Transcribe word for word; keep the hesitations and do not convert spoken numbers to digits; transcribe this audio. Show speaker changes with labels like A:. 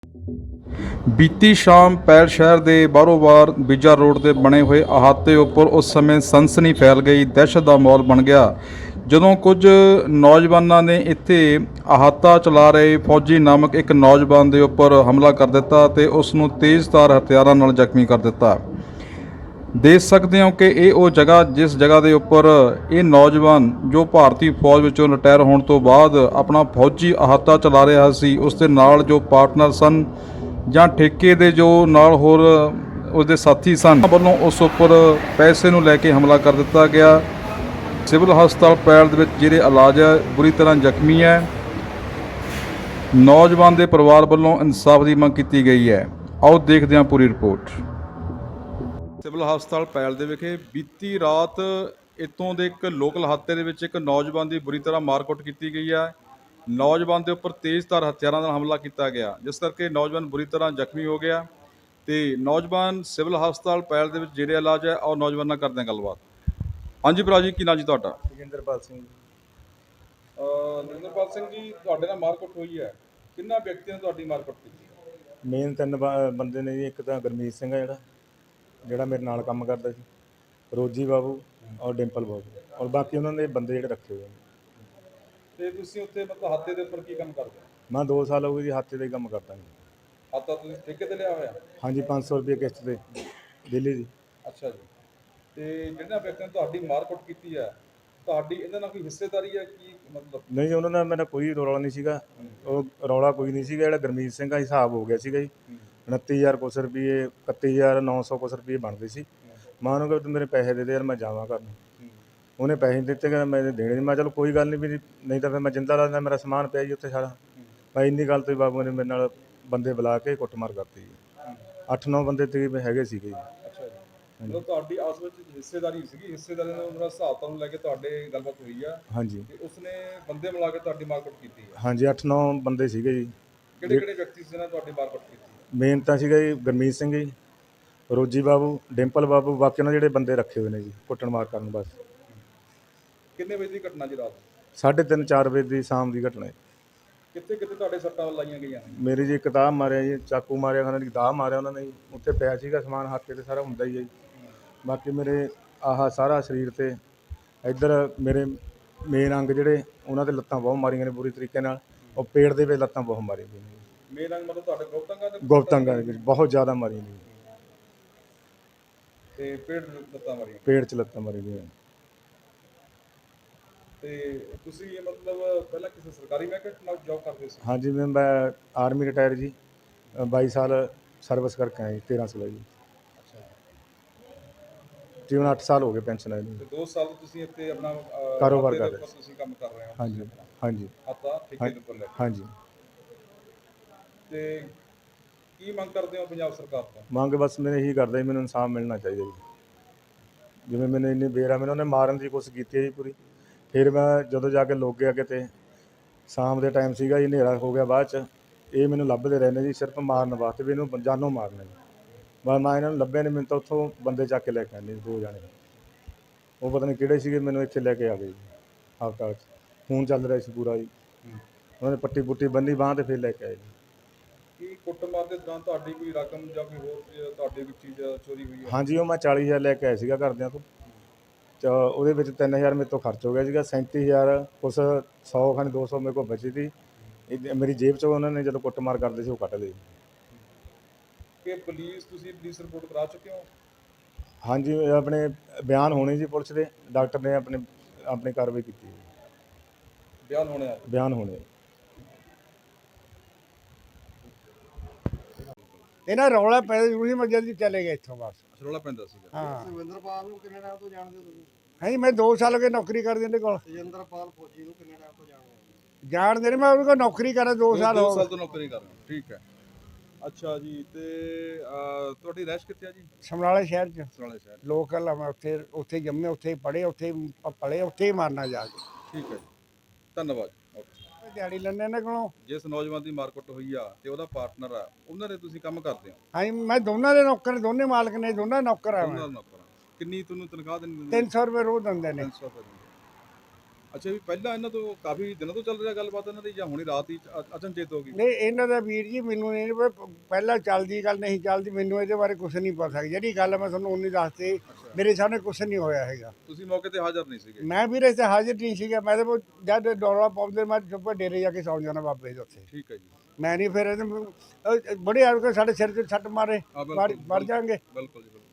A: ਬੀਤੀ ਸ਼ਾਮ ਪੈਲ ਸ਼ਹਿਰ ਦੇ ਬਾਰੋ-ਬਾਰ ਬੀਜਾ ਰੋਡ ਦੇ ਬਣੇ ਹੋਏ ਅਹਾਤੇ ਉੱਪਰ ਉਸ ਸਮੇਂ ਸਨਸਨੀ ਫੈਲ ਗਈ, ਦਹਿਸ਼ਤ ਦਾ ਮਾਹੌਲ ਬਣ ਗਿਆ ਜਦੋਂ ਕੁਝ ਨੌਜਵਾਨਾਂ ਨੇ ਇੱਥੇ ਅਹਾਤਾ ਚਲਾ ਰਹੇ ਫੌਜੀ ਨਾਮਕ ਇੱਕ ਨੌਜਵਾਨ ਦੇ ਉੱਪਰ ਹਮਲਾ ਕਰ ਦਿੱਤਾ ਤੇ ਉਸ ਨੂੰ ਤੇਜ਼ਧਾਰ ਹਥਿਆਰਾਂ ਨਾਲ ਜ਼ਖਮੀ ਕਰ ਦਿੱਤਾ। ਦੇਖ ਸਕਦੇ ਹੋ ਕਿ ਇਹ ਉਹ ਜਗ੍ਹਾ ਜਿਸ ਜਗ੍ਹਾ ਦੇ ਉੱਪਰ ਇਹ ਨੌਜਵਾਨ ਜੋ ਭਾਰਤੀ ਫੌਜ ਵਿੱਚੋਂ ਰਿਟਾਇਰ ਹੋਣ ਤੋਂ ਬਾਅਦ ਆਪਣਾ ਫੌਜੀ ਅਹਾਤਾ ਚਲਾ ਰਿਹਾ ਸੀ, ਉਸ ਦੇ ਨਾਲ ਜੋ ਪਾਰਟਨਰ ਸਨ ਜਾਂ ਠੇਕੇ ਦੇ ਜੋ ਨਾਲ ਹੋਰ ਉਸਦੇ ਸਾਥੀ ਸਨ ਵੱਲੋਂ ਉਸ ਉੱਪਰ ਪੈਸੇ ਨੂੰ ਲੈ ਕੇ ਹਮਲਾ ਕਰ ਦਿੱਤਾ ਗਿਆ। ਸਿਵਲ ਹਸਪਤਾਲ ਪੈਲ ਦੇ ਵਿੱਚ ਜਿਹੜੇ ਇਲਾਜ ਹੈ ਬੁਰੀ ਤਰ੍ਹਾਂ ਜ਼ਖਮੀ ਹੈ। ਨੌਜਵਾਨ ਦੇ ਪਰਿਵਾਰ ਵੱਲੋਂ ਇਨਸਾਫ ਦੀ ਮੰਗ ਕੀਤੀ ਗਈ ਹੈ। ਆਓ ਦੇਖਦੇ ਹਾਂ ਪੂਰੀ ਰਿਪੋਰਟ। ਸਿਵਲ ਹਸਪਤਾਲ ਪੈਲ ਦੇ ਵਿਖੇ ਬੀਤੀ ਰਾਤ ਇੱਥੋਂ ਦੇ ਇੱਕ ਲੋਕਲ ਅਹਾਤੇ ਦੇ ਵਿੱਚ ਇੱਕ ਨੌਜਵਾਨ ਦੀ ਬੁਰੀ ਤਰ੍ਹਾਂ ਮਾਰਕੁੱਟ ਕੀਤੀ ਗਈ ਹੈ। ਨੌਜਵਾਨ ਦੇ ਉੱਪਰ ਤੇਜ਼ਧਾਰ ਹਥਿਆਰਾਂ ਨਾਲ ਹਮਲਾ ਕੀਤਾ ਗਿਆ, ਜਿਸ ਕਰਕੇ ਨੌਜਵਾਨ ਬੁਰੀ ਤਰ੍ਹਾਂ ਜ਼ਖਮੀ ਹੋ ਗਿਆ ਤੇ ਨੌਜਵਾਨ ਸਿਵਲ ਹਸਪਤਾਲ ਪੈਲ ਦੇ ਵਿੱਚ ਜਿਹੜੇ ਇਲਾਜ ਹੈ ਔਰ ਨੌਜਵਾਨ ਨਾਲ ਕਰਦੇ ਹਾਂ ਗੱਲਬਾਤ। ਹਾਂਜੀ ਭਰਾ ਜੀ, ਕੀ ਨਾਂ ਜੀ ਤੁਹਾਡਾ?
B: ਜੋਗਿੰਦਰਪਾਲ ਸਿੰਘ ਜੀ।
A: ਨਰਿੰਦਰਪਾਲ ਸਿੰਘ ਜੀ, ਤੁਹਾਡੇ ਨਾਲ ਮਾਰਕੁੱਟ ਹੋਈ ਹੈ, ਕਿੰਨਾ ਵਿਅਕਤੀਆਂ ਨੇ ਤੁਹਾਡੀ ਮਾਰਕੁੱਟ ਕੀਤੀ?
B: ਮੇਨ ਤਿੰਨ ਬ- ਬੰਦੇ ਨੇ ਜੀ। ਇੱਕ ਤਾਂ ਗੁਰਮੀਤ ਸਿੰਘ ਆ ਜਿਹੜਾ ਜਿਹੜਾ ਮੇਰੇ ਨਾਲ ਕੰਮ ਕਰਦਾ ਸੀ, ਰੋਜੀ ਬਾਬੂ ਔਰ ਡਿੰਪਲ ਬਾਬੂ, ਔਰ ਬਾਕੀ ਉਹਨਾਂ ਦੇ ਬੰਦੇ ਜਿਹੜੇ ਰੱਖੇ ਹੋਏ ਨੇ।
A: ਤੇ ਤੁਸੀਂ ਉੱਥੇ ਮਤਲਬ ਹੱਤੇ ਦੇ ਉੱਪਰ ਕੀ ਕੰਮ ਕਰਦੇ ਹੋ?
B: ਮੈਂ ਦੋ ਸਾਲ ਹੋ ਗਏ ਜੀ ਹੱਥੇ ਦਾ ਹੀ ਕੰਮ ਕਰਦਾ ਜੀ।
A: ਹੱਤਾ ਤੁਸੀਂ ਠੇਕੇ ਤੇ ਲਿਆ ਹੋਇਆ?
B: ਹਾਂਜੀ, ਪੰਜ ਸੌ ਰੁਪਏ ਕਿਸ਼ਤ ਤੇ ਡੇਲੀ ਦੀ।
A: ਅੱਛਾ ਜੀ। ਤੇ ਜਿਹਨਾਂ ਵਿਅਕਤੀਆਂ ਨੇ ਤੁਹਾਡੀ ਮਾਰਕੁੱਟ ਕੀਤੀ ਹੈ, ਤੁਹਾਡੀ ਇਹਦੇ ਨਾਲ ਕੋਈ ਹਿੱਸੇਦਾਰੀ ਹੈ ਕੀ ਮਤਲਬ?
B: ਨਹੀਂ, ਉਹਨਾਂ ਨਾਲ ਮੇਰਾ ਕੋਈ ਰੌਲਾ ਨਹੀਂ ਸੀਗਾ। ਉਹ ਰੌਲਾ ਕੋਈ ਨਹੀਂ ਸੀਗਾ। ਜਿਹੜਾ ਗੁਰਮੀਤ ਸਿੰਘ ਦਾ ਹਿਸਾਬ ਹੋ ਗਿਆ ਸੀਗਾ ਜੀ, ਉਨੱਤੀ ਹਜ਼ਾਰ ਕੁਛ ਰੁਪਏ, ਇਕੱਤੀ ਹਜ਼ਾਰ ਨੌ ਸੌ ਕੁਛ ਰੁਪਏ ਬਣਦੇ ਸੀ। ਮੈਂ ਉਹਨੂੰ ਕਿਹਾ ਤੂੰ ਮੇਰੇ ਪੈਸੇ ਦੇ ਦੇ ਯਾਰ, ਮੈਂ ਜਾਵਾਂ ਘਰ ਨੂੰ। ਉਹਨੇ ਪੈਸੇ ਦਿੱਤੇ, ਕਹਿੰਦਾ ਮੈਂ ਦੇਣੇ ਨਹੀਂ। ਮੈਂ ਚਲੋ ਕੋਈ ਗੱਲ ਨਹੀਂ ਵੀ, ਨਹੀਂ ਤਾਂ ਫਿਰ ਮੈਂ ਜਿੰਦਾ ਲਾ ਦਿੰਦਾ, ਮੇਰਾ ਸਮਾਨ ਪਿਆ ਜੀ ਉੱਥੇ ਸਾਰਾ। ਮੈਂ ਇੰਨੀ ਗੱਲ ਤੋਂ ਹੀ ਬਾਬੂ ਨੇ ਮੇਰੇ ਨਾਲ ਬੰਦੇ ਬੁਲਾ ਕੇ ਕੁੱਟਮਾਰ ਕਰਤੀ ਜੀ। ਅੱਠ ਨੌ ਬੰਦੇ ਤਕਰੀਬਨ ਹੈਗੇ ਸੀਗੇ ਜੀ।
A: ਅੱਛਾ ਜੀ। ਮਤਲਬ ਤੁਹਾਡੀ ਆਪਸ ਵਿੱਚ ਹਿੱਸੇਦਾਰੀ ਸੀਗੀ, ਹਿੱਸੇਦਾਰੀ ਨਾਲ ਉਹਨਾਂ ਹਿਸਾਬ ਤੋਂ ਲੈ ਕੇ ਤੁਹਾਡੇ ਗੱਲਬਾਤ ਹੋਈ ਆ?
B: ਹਾਂਜੀ।
A: ਤੇ ਉਸਨੇ ਬੰਦੇ ਮਿਲਾ ਕੇ ਤੁਹਾਡੀ ਮਾਰਕੁੱਟ ਕੀਤੀ ਹੈ?
B: ਹਾਂਜੀ, ਅੱਠ ਨੌ ਬੰਦੇ ਸੀਗੇ ਜੀ।
A: ਕਿਹੜੇ ਕਿਹੜੇ ਵਿਅਕਤੀ ਸੀ ਜਿਹਨਾਂ ਨੇ ਤੁਹਾਡੀ ਮਾਰਕੁੱਟ ਕੀਤੀ?
B: ਮੇਨ ਤਾਂ ਸੀਗਾ ਜੀ ਗੁਰਮੀਤ ਸਿੰਘ ਜੀ, ਰੋਜੀ ਬਾਬੂ, ਡਿੰਪਲ ਬਾਬੂ, ਬਾਕੀ ਉਹਨਾਂ ਜਿਹੜੇ ਬੰਦੇ ਰੱਖੇ ਹੋਏ ਨੇ ਜੀ ਕੁੱਟਣ ਮਾਰ ਕਰਨ। ਬਸ
A: ਕਿੰਨੇ ਵਜੇ ਦੀ ਘਟਨਾ ਜੀ? ਰਾਤ
B: ਸਾਢੇ ਤਿੰਨ ਚਾਰ ਵਜੇ ਦੀ ਸ਼ਾਮ ਦੀ ਘਟਨਾ ਹੈ।
A: ਕਿੱਥੇ ਕਿੱਥੇ ਤੁਹਾਡੇ ਸੱਟਾਂ ਲਾਈਆਂ ਗਈਆਂ ਨੇ?
B: ਮੇਰੀ ਜੀ ਕਿਤਾਬ ਮਾਰਿਆ ਜੀ, ਚਾਕੂ ਮਾਰਿਆ, ਖਾਣਾ ਦੀ ਦਾਹ ਮਾਰਿਆ ਉਹਨਾਂ ਨੇ ਜੀ। ਉੱਥੇ ਪਿਆ ਸੀਗਾ ਸਮਾਨ, ਹੱਥ ਤੇ ਸਾਰਾ ਹੁੰਦਾ ਹੀ ਹੈ ਜੀ। ਬਾਕੀ ਮੇਰੇ ਆਹ ਸਾਰਾ ਸਰੀਰ ਤੇ ਇੱਧਰ ਮੇਰੇ ਮੇਨ ਅੰਗ ਜਿਹੜੇ ਉਹਨਾਂ ਦੇ ਲੱਤਾਂ ਬਹੁਤ ਮਾਰੀਆਂ ਨੇ ਬੁਰੀ ਤਰੀਕੇ ਨਾਲ। ਉਹ ਪੇਟ ਦੇ ਵਿੱਚ ਲੱਤਾਂ ਬਹੁਤ ਮਾਰੀਆਂ ਗਈਆਂ ਨੇ।
A: ਮੇਨ ਅੰਗ ਮਤਲਬ ਤੁਹਾਡੇ ਗੁਪਤੰਗਾਂ ਦੇ?
B: ਗੁਪਤੰਗਾਂ ਦੇ ਵਿੱਚ ਬਹੁਤ ਜ਼ਿਆਦਾ ਮਾਰੀਆਂ ਨੇ।
A: ਤੇ ਪੇਟ ਲੱਤਾਂ ਮਾਰੀਆਂ?
B: ਪੇਟ 'ਚ ਲੱਤਾਂ ਮਾਰੀ ਗਈਆਂ।
A: ਤੇ ਤੁਸੀਂ ਇਹ ਮਤਲਬ ਪਹਿਲਾਂ ਕਿਸੇ ਸਰਕਾਰੀ ਮਹਿਕਮੇ ਨਾਲ ਜੌਬ ਕਰਦੇ ਸੀ?
B: ਹਾਂਜੀ, ਮੈਂ ਮੈਂ ਆਰਮੀ ਰਿਟਾਇਰ ਜੀ, ਬਾਈ ਸਾਲ ਸਰਵਿਸ ਕਰਕੇ ਆਇਆ ਜੀ, ਤੇਰ੍ਹਾਂ ਸਾਲ ਜੀ।
A: ਅੱਛਾ।
B: ਤਕਰੀਬਨ ਅੱਠ ਸਾਲ ਹੋ ਗਏ ਪੈਨਸ਼ਨ ਆਈ ਨੂੰ।
A: ਤੇ ਦੋ ਸਾਲ ਤੁਸੀਂ ਇੱਥੇ ਆਪਣਾ ਅਹ,
B: ਕਾਰੋਬਾਰ
A: ਹੱਤੇ ਦੇ
B: ਕਰ ਰਹੇ
A: ਉੱਪਰ ਤੁਸੀਂ ਕੰਮ ਕਰ ਰਹੇ ਹੋ?
B: ਹਾਂਜੀ ਹਾਂਜੀ
A: ਹੱਤਾ ਠੇਕੇ ਦੇ ਉੱਪਰ ਲੈ ਕੇ।
B: ਹਾਂਜੀ।
A: ਤੇ ਕੀ ਮੰਗ ਕਰਦੇ ਹੋ ਪੰਜਾਬ ਸਰਕਾਰ ਤੋਂ?
B: ਮੰਗ ਬਸ ਮੈਂ ਇਹੀ ਕਰਦਾ ਜੀ, ਮੈਨੂੰ ਇਨਸਾਫ ਮਿਲਣਾ ਚਾਹੀਦਾ ਜੀ। ਜਿਵੇਂ ਮੈਨੂੰ ਇੰਨੀ ਬੇਰਾ ਮੈਨੂੰ ਉਹਨੇ ਮਾਰਨ ਦੀ ਕੋਸ਼ਿਸ਼ ਕੀਤੀ ਹੈ ਜੀ ਪੂਰੀ। ਫਿਰ ਮੈਂ ਜਦੋਂ ਜਾ ਕੇ ਲੁੱਕ ਗਿਆ ਕਿਤੇ, ਸ਼ਾਮ ਦੇ ਟਾਈਮ ਸੀਗਾ ਜੀ, ਹਨੇਰਾ ਹੋ ਗਿਆ ਬਾਅਦ 'ਚ। ਇਹ ਮੈਨੂੰ ਲੱਭਦੇ ਰਹਿੰਦੇ ਜੀ ਸਿਰਫ ਮਾਰਨ ਵਾਸਤੇ, ਵੀ ਇਹਨੂੰ ਜਾਨੋਂ ਮਾਰਨਾ ਜੀ। ਬਸ ਮੈਂ ਇਹਨਾਂ ਨੂੰ ਲੱਭਿਆ ਨਹੀਂ, ਮੈਨੂੰ ਤਾਂ ਉੱਥੋਂ ਬੰਦੇ ਚੱਕ ਕੇ ਲੈ ਕੇ ਆਉਂਦੇ ਦੋ ਜਾਣੇ। ਉਹ ਪਤਾ ਨਹੀਂ ਕਿਹੜੇ ਸੀਗੇ, ਮੈਨੂੰ ਇੱਥੇ ਲੈ ਕੇ ਆ ਗਏ ਜੀ ਹਸਪਤਾਲ 'ਚ। ਖੂਨ ਚੱਲ ਰਿਹਾ ਸੀ ਪੂਰਾ ਜੀ। ਉਹਨਾਂ ਨੇ ਪੱਟੀ ਪੁੱਟੀ ਬੰਨੀ ਬਾਂਹ ਤੇ ਫਿਰ ਲੈ ਕੇ ਆਏ ਜੀ।
A: ਕੀ ਕੁੱਟਮਾਰ ਦੇ ਦੌਰਾਨ ਤੁਹਾਡੀ ਕੋਈ ਰਕਮ ਜਾਂ ਕੋਈ ਹੋਰ ਚੀਜ਼- ਤੁਹਾਡੀ ਕੋਈ ਚੀਜ਼ ਚੋਰੀ ਹੋਈ ਹੈ?
B: ਹਾਂਜੀ, ਉਹ ਮੈਂ ਚਾਲੀ ਹਜ਼ਾਰ ਲੈ ਕੇ ਆਇਆ ਸੀਗਾ ਘਰਦਿਆਂ ਤੋਂ। ਚ ਉਹਦੇ ਵਿੱਚ ਤਿੰਨ ਹਜ਼ਾਰ ਮੇਰੇ ਤੋਂ ਖਰਚ ਹੋ ਗਿਆ ਸੀਗਾ। ਸੈਂਤੀ ਹਜ਼ਾਰ ਕੁਛ ਸੌ ਖਾਨੀ ਦੋ ਸੌ ਮੇਰੇ ਕੋਲ ਬਚੀ ਸੀ। ਇਹ ਮੇਰੀ ਜੇਬ 'ਚੋਂ ਉਹਨਾਂ ਨੇ ਜਦੋਂ ਕੁੱਟਮਾਰ ਕਰਦੇ ਸੀ ਉਹ ਕੱਢ ਲਏ।
A: ਕਿ ਪੁਲਿਸ ਤੁਸੀਂ ਪੁਲਿਸ ਰਿਪੋਰਟ ਕਰਾ ਚੁੱਕੇ ਹੋ?
B: ਹਾਂਜੀ, ਇਹ ਆਪਣੇ ਬਿਆਨ ਹੋਣੇ ਜੀ ਪੁਲਿਸ ਦੇ। ਡਾਕਟਰ ਨੇ ਆਪਣੇ ਆਪਣੀ ਕਾਰਵਾਈ ਕੀਤੀ ਹੈ।
A: ਬਿਆਨ ਹੋਣੇ ਆ?
B: ਬਿਆਨ ਹੋਣੇ।
C: ਇਹਨਾਂ ਰੌਲਾ ਪੈ ਜ਼ਰੂਰੀ ਮੈਂ ਜਲਦੀ ਚਲੇ ਗਏ ਇੱਥੋਂ ਬਸ।
A: ਰੌਲਾ ਪੈਂਦਾ ਸੀਗਾ?
C: ਹਾਂ।
D: ਤੇਜਿੰਦਰਪਾਲ ਨੂੰ ਕਿੰਨੇ ਟਾਈਮ ਤੋਂ ਜਾਣਦੇ ਹੋ ਤੁਸੀਂ?
C: ਹਾਂਜੀ, ਮੈਂ ਦੋ ਸਾਲ ਹੋ ਗਏ ਨੌਕਰੀ ਕਰਦੇ ਇਹਦੇ ਕੋਲ।
D: ਤੇਜਿੰਦਰਪਾਲ ਫੌਜੀ ਨੂੰ ਕਿੰਨੇ ਟਾਈਮ ਤੋਂ ਜਾਣਦੇ ਹੋ?
C: ਜਾਣਦੇ ਨੇ, ਮੈਂ ਉਹਦੇ ਕੋਲ ਨੌਕਰੀ ਕਰਾਂ ਦੋ ਸਾਲ
A: ਦੋ
C: ਹੋ
A: ਸਾਲ
C: ਗਏ।
A: ਤੋਂ ਨੌਕਰੀ ਕਰ ਰਹੇ ਹੋ, ਠੀਕ ਹੈ। ਅੱਛਾ ਜੀ। ਤੇ ਅਹ, ਤੁਹਾਡੀ ਰਹਿਸ਼ ਕਿੱਥੇ ਆ ਜੀ?
C: ਸਮਰਾਲੇ ਸ਼ਹਿਰ 'ਚ
A: ਸਰਾਲੇ ਸ਼ਹਿਰ।
C: ਲੋਕਲ ਆ ਮੈਂ। ਉੱਥੇ ਉੱਥੇ ਜੰਮੇ, ਉੱਥੇ ਹੀ ਪੜ੍ਹੇ, ਉੱਥੇ ਹੀ ਪ- ਪਲੇ, ਉੱਥੇ ਹੀ ਮਾਰਨਾ ਜਾ ਕੇ।
A: ਠੀਕ ਹੈ ਜੀ, ਧੰਨਵਾਦ। ਓਕੇ।
C: ਦਿਹਾੜੀ ਲੈਣੇ ਇਹਨਾਂ ਕੋਲੋਂ।
A: ਜਿਸ ਨੌਜਵਾਨ ਦੀ ਮਾਰਕੁੱਟ ਹੋਈ ਆ ਤੇ ਉਹਦਾ ਪਾਰਟਨਰ ਆ, ਉਹਨਾਂ ਦੇ ਤੁਸੀਂ ਕੰਮ ਕਰਦੇ ਹੋ?
C: ਹਾਂਜੀ, ਮੈਂ ਦੋਨਾਂ ਦੇ ਨੌਕਰ, ਦੋਨੇ ਮਾਲਕ ਨੇ, ਦੋਨਾਂ ਨੌਕਰ ਆ
A: ਉਹਨਾਂ
C: ਮੈਂ।
A: ਦਾ ਨੌਕਰ ਆ। ਕਿੰਨੀ ਤੁਹਾਨੂੰ ਤਨਖਾਹ ਦਿੰਦੇ?
C: ਤਿੰਨ ਸੌ ਰੁਪਏ ਰੋਜ਼ ਦਿੰਦੇ ਨੇ।
A: ਤਿੰਨ ਸੌ ਰੁਪਏ ਦਿੰਦੇ। ਅੱਛਾ ਵੀ ਪਹਿਲਾਂ ਇਹਨਾਂ ਤੋਂ ਕਾਫੀ ਦਿਨਾਂ ਤੋਂ ਚੱਲ ਰਿਹਾ ਗੱਲਬਾਤ ਇਹਨਾਂ ਦੀ ਜਾਂ ਹੁਣੀ ਰਾਤ ਹੀ ਅ- ਅਚਨਚੇਤ ਹੋ ਗਈ?
C: ਨਹੀਂ ਇਹਨਾਂ ਦਾ ਵੀਰ ਜੀ ਮੈਨੂੰ ਨਹੀਂ ਪਤਾ, ਪਹਿਲਾਂ ਚੱਲਦੀ ਗੱਲ ਨਹੀਂ ਚੱਲਦੀ, ਮੈਨੂੰ ਇਹਦੇ ਬਾਰੇ ਕੁਝ ਨਹੀਂ ਪਤਾ। ਜਿਹੜੀ ਗੱਲ ਮੈਂ ਤੁਹਾਨੂੰ ਉਨੀ ਦੱਸਤੀ, ਮੇਰੇ ਸਾਹਮਣੇ ਕੁਝ ਨਹੀਂ ਹੋਇਆ ਹੈਗਾ।
A: ਤੁਸੀਂ ਮੌਕੇ ਤੇ ਹਾਜ਼ਰ ਨਹੀਂ ਸੀਗੇ?
C: ਮੈਂ ਵੀਰੇ ਇੱਥੇ ਹਾਜ਼ਰ ਨਹੀਂ ਸੀਗਾ। ਮੈਂ ਤਾਂ ਜਦ ਦੌੜਾ ਪਾਉਂਦੇ ਮੈਂ ਚੁੱਪ ਡੇਰੇ ਜਾ ਕੇ ਸੌਂ ਜਾਣਾ ਬਾਬੇ ਦੇ ਉੱਥੇ।
A: ਠੀਕ ਹੈ ਜੀ।
C: ਮੈਂ ਨਹੀਂ ਫਿਰ ਇਹਦੇ- ਅਹ ਬੜੇ ਆ ਕੇ ਸਾਡੇ ਸਿਰ 'ਤੇ ਛੱਟ ਮਾਰੇ,
A: ਹਾਂ, ਬਿਲਕੁਲ,
C: ਮਰ ਮਰ ਜਾਣਗੇ।
A: ਬਿਲਕੁਲ ਜੀ ਬਿਲਕੁਲ।